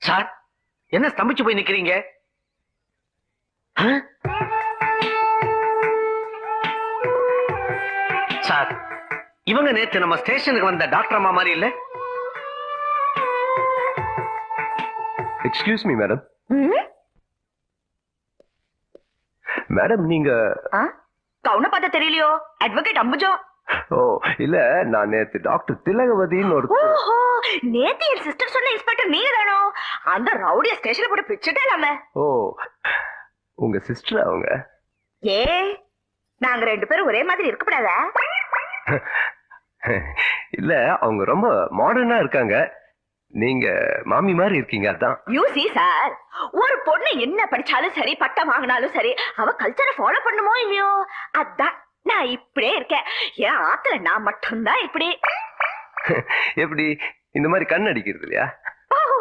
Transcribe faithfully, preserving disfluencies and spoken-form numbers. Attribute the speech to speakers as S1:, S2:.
S1: Sir, என்ன ஸ்தம்பிச்சு போய் நிக்கிறீங்க? சார், இவங்க நேத்து நம்ம ஸ்டேஷனுக்கு வந்த டாக்டர் அம்மா மாதிரி இல்ல?
S2: Excuse me madam. மேடம் நீங்க
S3: கவுன பார்த்தா தெரியலையோ? அட்வொகேட் அம்புஜம்.
S2: ஓ இல்ல, நான் நேத்து டாக்டர் திலகவதின்னு ஒரு
S3: ஓஹோ, நேத்து என் சிஸ்டர் சொன்ன இன்ஸ்பெக்டர் நீங்க தானோ? அந்த ரவுடிய ஸ்டேஷன்ல போட்டு பிச்சுட்டே இல்லாம.
S2: ஓ உங்க சிஸ்டர் அவங்க?
S3: ஏ, நாங்க ரெண்டு பேரும் ஒரே மாதிரி இருக்கக்கூடாதா?
S2: இல்ல, அவங்க ரொம்ப மாடர்னா இருக்காங்க. நீங்க மாமி மாதிரி இருக்கீங்க. அதான்.
S3: யூ சி சார், ஒரு பொண்ணு என்ன படிச்சாலும் சரி, பட்டம் வாங்கினாலும் சரி, அவ கல்ச்சரை ஃபாலோ பண்ணுமோ இல்லையோ, அதான் நான் இப்படியே இருக்கேன். ஏன் ஆத்துல நான் மட்டும்தான் இப்படி.
S2: எப்படி இந்த மாதிரி கண் அடிக்கிறது இல்லையா?